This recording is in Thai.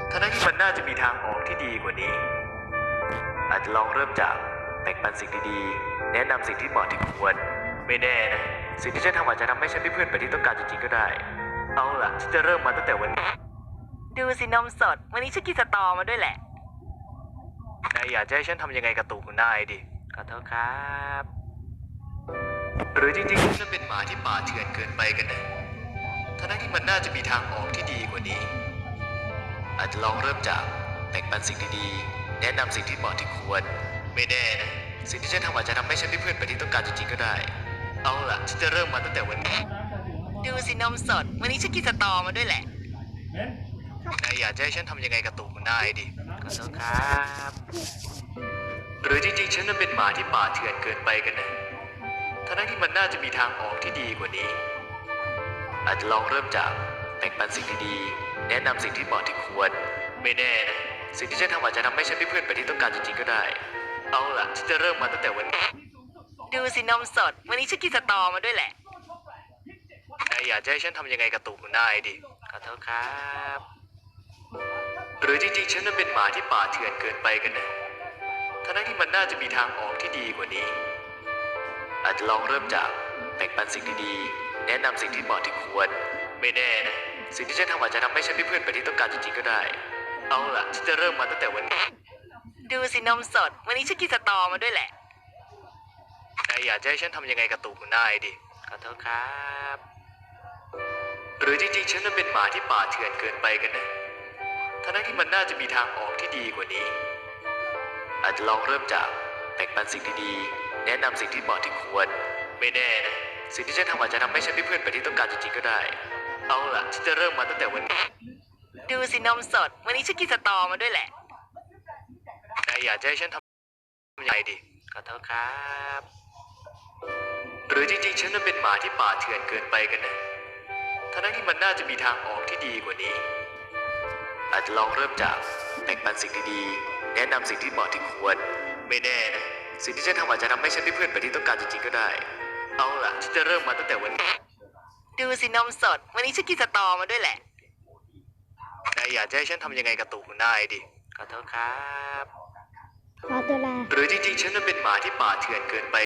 ทั้งที่มันน่าจะมีทางออกที่ดีกว่านี้ อาจจะลองเริ่มจากแบ่งปันสิ่งดีๆแนะนำสิ่งที่เหมาะที่ควรไม่แน่นะสิ่งที่ฉันทำอาจจะทำให้ฉันได้เพื่อนแบบที่ต้องการจริงๆก็ได้เอาล่ะฉันจะเริ่มมาตั้งแต่วันนี้ดูสินมสด วันนี้ฉันกินสตอมาด้วยแหละนายอยากจะให้ฉันทำยังไงกับตูของนายดิขอโทษครับหรือจริงๆฉันเป็นหมาที่ป่าเถื่อนเกินไปกันนะทั้งที่มันน่าจะมีทางออกที่ดีกว่านี้ อาจจะลองเริ่มจากแบ่งปันสิ่งดีๆแนะนำสิ่งที่เหมาะที่ควรไม่แน่นะสิ่งที่ฉันทำอาจจะทำให้ฉันได้เพื่อนแบบที่ต้องการจริงๆก็ได้เอาล่ะฉันจะเริ่มมาตั้งแต่วันนี้ดูสินมสด วันนี้ฉันกินสตอมาด้วยแหละนายอยากจะให้ฉันทำยังไงกับตูของนายดิขอโทษครับหรือจริงๆฉันนั้นเป็นหมาที่ป่าเถื่อนเกินไปกันนะทั้งที่มันน่าจะมีทางออกที่ดีกว่านี้ อาจจะลองเริ่มจากแบ่งปันสิ่งดีๆแนะนำสิ่งที่เหมาะที่ควรไม่แน่นะสิ่งที่ฉันทำอาจจะทำให้ฉันได้เพื่อนแบบที่ต้องการจริงๆก็ได้เอาล่ะฉันจะเริ่มมาตั้งแต่วันนี้ดูสินมสด วันนี้ฉันกินสตอมาด้วยแหละนายอยากจะให้ฉันทำยังไงกับตูของนายดิขอโทษครับหรือจริงๆฉันนั้นเป็นหมาที่ป่าเถื่อนเกินไปกันนะทั้งที่มันน่าจะมีทางออกที่ดีกว่านี้ อาจจะลองเริ่มจากแบ่งปันสิ่งดีๆแนะนำสิ่งที่เหมาะที่ควรไม่แน่นะสิ่งที่ฉันทำอาจจะทำให้ฉันได้เพื่อนแบบที่ต้องการจริงๆก็ได้เอาล่ะฉันจะเริ่มมาตั้งแต่วันนี้ดูสินมสด วันนี้ฉันกินสตอมาด้วยแหละนายอยากจะให้ฉันทำยังไงกับตูของนายดิขอโทษครับหรือจริงๆฉันนั้นเป็นหมาที่ป่าเถื่อนเกินไปกันนะทั้งที่มันน่าจะมีทางออกที่ดีกว่านี้ อาจจะลองเริ่มจากแบ่งปันสิ่งดีๆแนะนำสิ่งที่เหมาะที่ควรไม่แน่นะสิ่งที่ฉันทำอาจจะทำให้ฉันได้เพื่อนแบบที่ต้องการจริงๆก็ได้เอาล่ะฉันจะเริ่มมาตั้งแต่วันนี้ดูสินมสด วันนี้ฉันกินสตอมาด้วยแหละนายอยากจะให้ฉันทำยังไงดิขอโทษครับหรือจริงๆฉันนั้นเป็นหมาที่ป่าเถื่อนเกินไปกันนะทั้งที่มันน่าจะมีทางออกที่ดีกว่านี้ อาจจะลองเริ่มจากแบ่งปันสิ่งดีๆแนะนำสิ่งที่เหมาะที่ควรไม่แน่นะสิ่งที่ฉันทำอาจจะทำให้ฉันได้เพื่อนแบบที่ต้องการจริงๆก็ได้เอาล่ะฉันจะเริ่มมาตั้งแต่วันนี้ดูสินมสด วันนี้ฉันกินสตอมาด้วยแหละนายอยากจะให้ฉันทำยังไงกับตูของนายดิขอโทษครับขอตัวลาหรือจริงๆฉันนั้นเป็นหมาที่ป่าเถื่อนเกินไป